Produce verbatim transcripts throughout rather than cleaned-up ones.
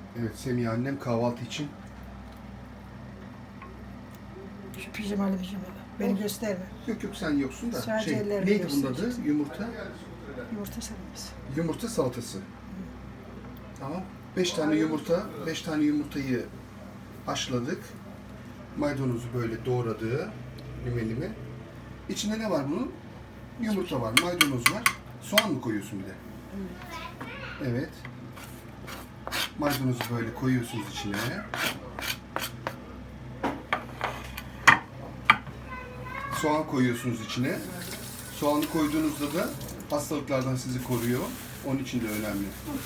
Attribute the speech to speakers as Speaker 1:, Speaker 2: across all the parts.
Speaker 1: Evet, Semih annem kahvaltı için.
Speaker 2: Şu pijamalı pijamalı. Beni gösterme.
Speaker 1: Yok yok sen yoksun da.
Speaker 2: Sadece
Speaker 1: Şey,
Speaker 2: ellerini
Speaker 1: neydi bunun adı?
Speaker 2: göstereceksin.
Speaker 1: Yumurta.
Speaker 2: Yumurta sarması.
Speaker 1: Yumurta salatası. Tamam. Beş tane yumurta, beş tane yumurtayı haşladık. Maydanozu böyle doğradığı limelimi. İçinde ne var bunun? Yumurta var, maydanoz var. Soğan mı koyuyorsun bir de? Evet. Maydanozu böyle koyuyorsunuz içine. Soğan koyuyorsunuz içine. Soğanı koyduğunuzda da hastalıklardan sizi koruyor. Onun için de önemli.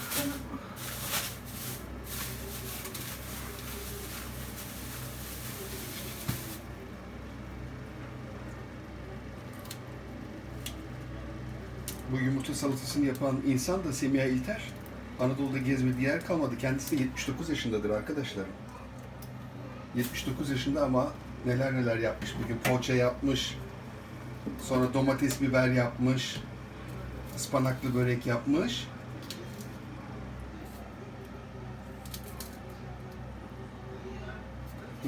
Speaker 1: Bu yumurta salatasını yapan insan da Semiha İlter. Anadolu'da gezmediği yer kalmadı. Kendisi de yetmiş dokuz yaşındadır arkadaşlar. yetmiş dokuz yaşında ama neler neler yapmış. Bugün poğaça yapmış. Sonra domates biber yapmış. Ispanaklı börek yapmış. Hı.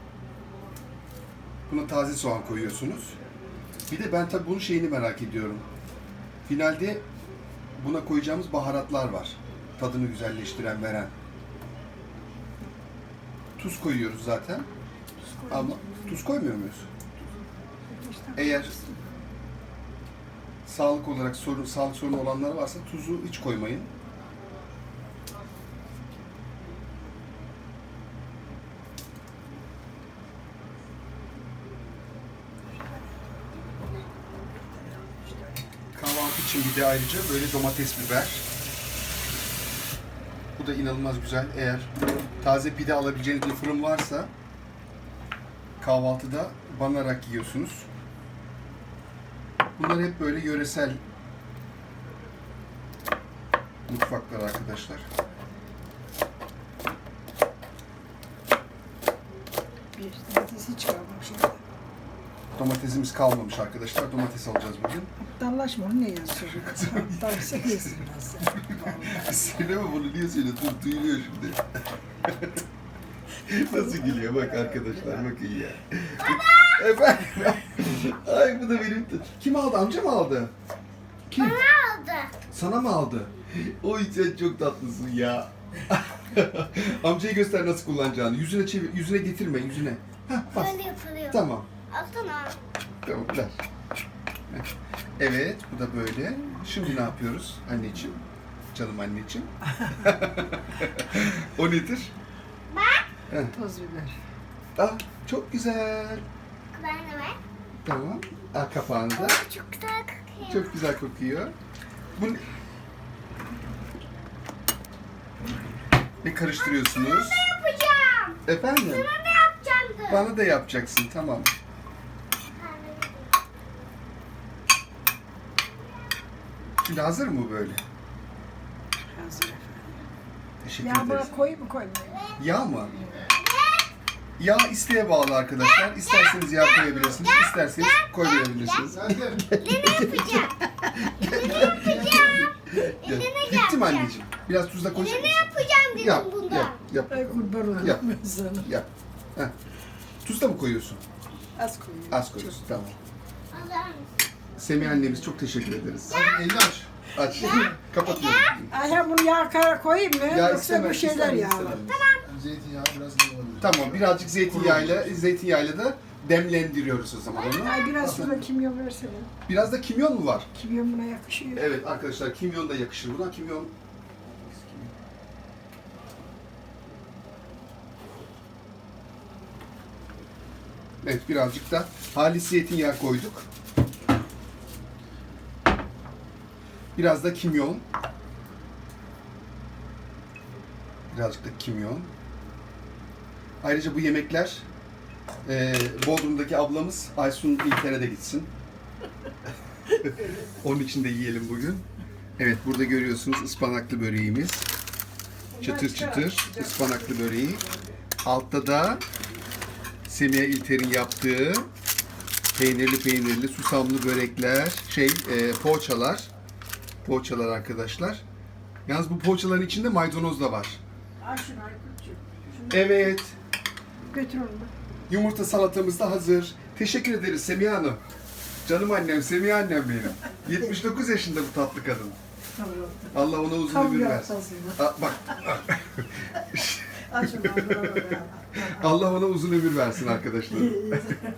Speaker 1: Buna taze soğan koyuyorsunuz. Bir de ben tabii bunun şeyini merak ediyorum. Finalde buna koyacağımız baharatlar var. Tadını güzelleştiren, veren. Tuz koyuyoruz zaten. Ama tuz koymuyor muyuz? Eğer sağlık olarak sorun, sağlık sorunu olanlar varsa tuzu hiç koymayın. Kahvaltı için bir de ayrıca böyle domates biber. Bu da inanılmaz güzel. Eğer taze pide alabileceğiniz bir fırın varsa kahvaltıda banarak yiyorsunuz. Bunlar hep böyle yöresel mutfaklar arkadaşlar.
Speaker 2: Bir domatesi çıkarmamış orada.
Speaker 1: Domatesimiz kalmamış arkadaşlar. Domates alacağız bugün.
Speaker 2: Aptallaşma, onu ne yazıyorsun? Aptallaşa yesin biraz sen. Vallahi.
Speaker 1: Söyleme bunu, niye söylüyorsun? Duyuluyor şimdi. Nasıl gülüyor bak arkadaşlar, bakın ya. Efendim? Ay bu da benim... Kim aldı? Amca mı aldı? Kim?
Speaker 3: Bana aldı.
Speaker 1: Sana mı aldı? Oy sen çok tatlısın ya. Amcayı göster nasıl kullanacağını. Yüzüne çevir, yüzüne getirme, yüzüne. Hah, bas.
Speaker 3: Böyle yapılıyor.
Speaker 1: Tamam.
Speaker 3: Alsana.
Speaker 1: Tamam, ver. Evet, bu da böyle. Şimdi ne yapıyoruz anneciğim? Canım anneciğim. O nedir?
Speaker 2: Toz biber.
Speaker 1: Ah, çok güzel.
Speaker 3: Ben de ver.
Speaker 1: Tamam. Ah, kapağında.
Speaker 3: Oo, çok güzel kokuyor.
Speaker 1: Çok güzel kokuyor. Bu ne? Ne karıştırıyorsunuz?
Speaker 3: Yapacağım.
Speaker 1: Efendim?
Speaker 3: Sana da yapacaktım.
Speaker 1: Bana da yapacaksın, tamam. Şimdi hazır mı bu böyle?
Speaker 2: Hazır efendim.
Speaker 1: Teşekkür
Speaker 2: Ya
Speaker 1: ederiz.
Speaker 2: buna koyayım mı koymayayım?
Speaker 1: Yağ mı? Yağ isteğe bağlı arkadaşlar. İsterseniz yağ koyabilirsiniz, isterseniz koymayabilirsiniz.
Speaker 3: Ne yapacağım? Ne yapacağım?
Speaker 1: Gel.
Speaker 3: Ne
Speaker 1: Bitti mi
Speaker 3: yapacağım?
Speaker 1: anneciğim? Biraz tuzla koyacak
Speaker 3: Ne
Speaker 1: mısın?
Speaker 3: yapacağım dedim
Speaker 1: Yap,
Speaker 3: bundan.
Speaker 1: yap, yap.
Speaker 2: Ay kurban olurum
Speaker 1: Yap.
Speaker 2: ben sana.
Speaker 1: Yap. Heh. Tuz da mı koyuyorsun?
Speaker 2: Az koyayım.
Speaker 1: Az koyuyorsun, tamam.
Speaker 3: Alır mısın?
Speaker 1: Semih annemiz çok teşekkür ederiz. Elini aç. Aç. Kapatıyorum.
Speaker 2: Ayhan bunu yağ kara koyayım mı?
Speaker 1: Ya
Speaker 2: Yoksa
Speaker 1: istemem,
Speaker 2: bu şeyler
Speaker 1: istemem,
Speaker 2: yağlı.
Speaker 1: istemem.
Speaker 4: Zeytinyağı biraz iyi olabilir.
Speaker 1: Tamam, birazcık zeytinyağıyla, zeytinyağıyla da demlendiriyoruz o zaman onu.
Speaker 2: Ay biraz şurada kimyon versene.
Speaker 1: Biraz da kimyon mu var?
Speaker 2: Kimyon buna yakışıyor.
Speaker 1: Evet arkadaşlar, kimyon da yakışır buna. Kimyon... Evet, birazcık da halis zeytinyağı koyduk. Biraz da kimyon. Birazcık da kimyon. Ayrıca bu yemekler e, Bodrum'daki ablamız Aysun İlker'e de gitsin. Onun için de yiyelim bugün. Evet, burada görüyorsunuz ıspanaklı böreğimiz. Çıtır çıtır ıspanaklı böreği. Altta da Semiha İlter'in yaptığı peynirli peynirli susamlı börekler, şey e, poğaçalar. Poğaçalar arkadaşlar. Yalnız bu poğaçaların içinde maydanoz da var.
Speaker 2: Al şunu Aykut'cum. Şunu
Speaker 1: Evet.
Speaker 2: götür onu.
Speaker 1: Yumurta salatamız da hazır. Teşekkür ederiz Semiha Hanım. Canım annem, Semiha annem benim. yetmiş dokuz yaşında bu tatlı kadın.
Speaker 2: Tamam.
Speaker 1: Allah ona uzun
Speaker 2: Tam
Speaker 1: ömür
Speaker 2: bir
Speaker 1: versin.
Speaker 2: hastasıydı.
Speaker 1: Aa, bak,
Speaker 2: Al şunu al.
Speaker 1: Allah ona uzun ömür versin arkadaşlar.